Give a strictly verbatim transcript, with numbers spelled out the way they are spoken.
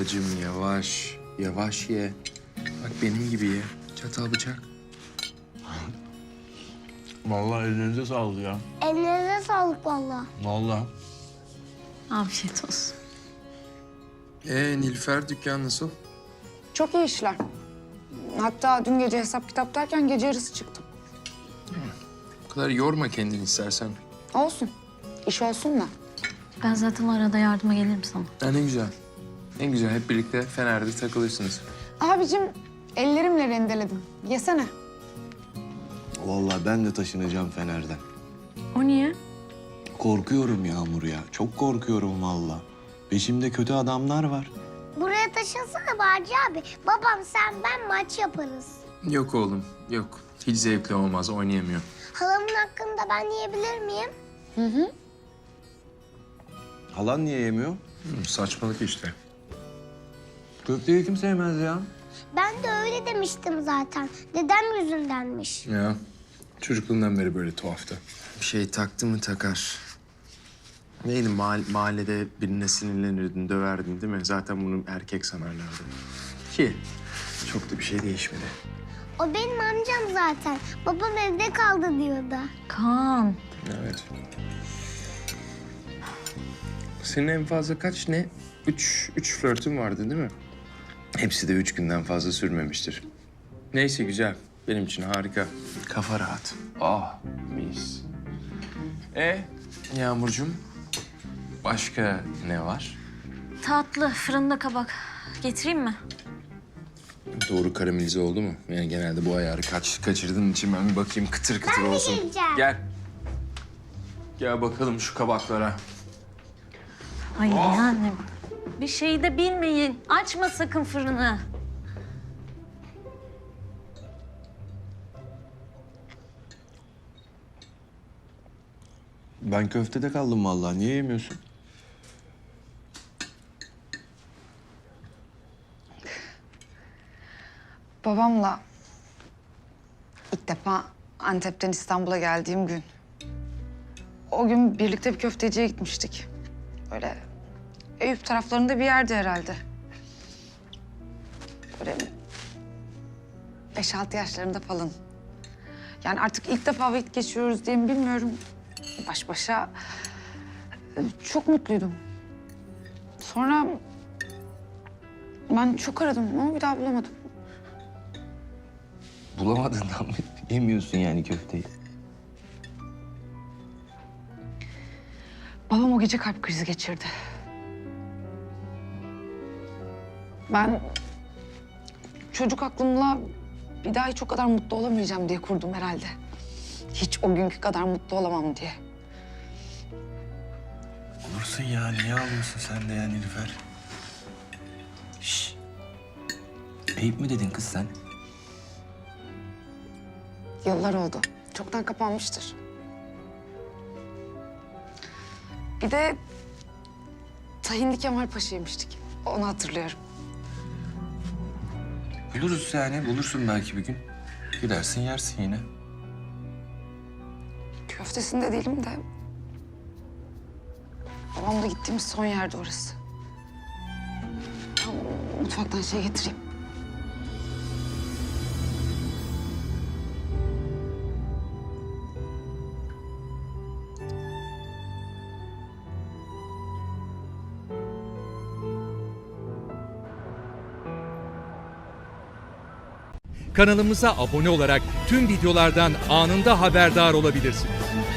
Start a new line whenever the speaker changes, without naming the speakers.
Babacığım yavaş, yavaş ye. Bak benim gibi ye. Çatal bıçak.
Vallahi elinize sağlık ya.
Elinize sağlık vallahi.
Vallahi.
Afiyet olsun.
Ee Nilüfer dükkan nasıl?
Çok iyi işler. Hatta dün gece hesap kitap derken gece yarısı çıktım.
Bu kadar yorma kendini istersen.
Olsun. İş olsun da.
Ben zaten arada yardıma gelirim sana.
Ha, ne güzel. Ne güzel hep birlikte Fener'de takılırsınız.
Abicim ellerimle rendeledim. Yesene.
Vallahi ben de taşınacağım Fener'den.
O niye?
Korkuyorum Yağmur ya. Çok korkuyorum vallahi. Peşimde kötü adamlar var.
Buraya taşınsana Barcı abi. Babam, sen, ben maç yaparız.
Yok oğlum yok. Hiç zevkli olmaz oynayamıyor.
Halamın hakkında ben yiyebilir miyim?
Halan niye yemiyor?
Hı, saçmalık işte.
Köfteyi kim sevmez ya?
Ben de öyle demiştim zaten. Dedem yüzündenmiş.
Ya çocukluğundan beri böyle tuhaftı. Bir şey taktı mı takar. Neydi mahall- mahallede birine sinirlenirdin, döverdin değil mi? Zaten bunu erkek sanarlardı. Ki çok da bir şey değişmedi.
O benim amcam zaten. Babam evde kaldı diyordu.
Kaan.
Evet. Senin en fazla kaç ne? Üç, üç flörtün vardı değil mi? Hepsi de üç günden fazla sürmemiştir. Neyse güzel. Benim için harika. Kafa rahat. Ah mis. E Yağmurcuğum başka ne var?
Tatlı, fırında kabak. Getireyim mi?
Doğru karamelize oldu mu? Yani genelde bu ayarı kaç, kaçırdığın için ben bir bakayım kıtır kıtır
Ben de
olsun.
geleceğim.
Gel. Gel bakalım şu kabaklara.
Ay yani bir şey de bilmeyin. Açma sakın fırını.
Ben köftede kaldım vallahi. Niye yemiyorsun?
Babamla ilk defa Antep'ten İstanbul'a geldiğim gün. O gün birlikte bir köfteciye gitmiştik. Böyle Eyüp taraflarında bir yerdi herhalde. Böyle beş altı yaşlarında falan. Yani artık ilk defa vakit geçiriyoruz diye mi bilmiyorum. Baş başa e, çok mutluydum. Sonra ben çok aradım ama bir daha bulamadım.
Bulamadığından mı yemiyorsun yani köfteyi?
Babam o gece kalp krizi geçirdi. Ben çocuk aklımla bir daha hiç o kadar mutlu olamayacağım diye kurdum herhalde. Hiç o günkü kadar mutlu olamam diye.
Olursun ya. Niye ağlıyorsun sen de ya Nilüfer? Şşş. Eyüp mü dedin kız sen?
Yıllar oldu. Çoktan kapanmıştır. Bir de Tahinli Kemal Paşa yemiştik. Onu hatırlıyorum.
Buluruz yani. Bulursun belki bir gün. Gidersin yersin yine.
Köftesinde değilim de... babamla gittiğimiz son yerde orası. Ben mutfaktan şey getireyim.
Kanalımıza abone olarak tüm videolardan anında haberdar olabilirsiniz.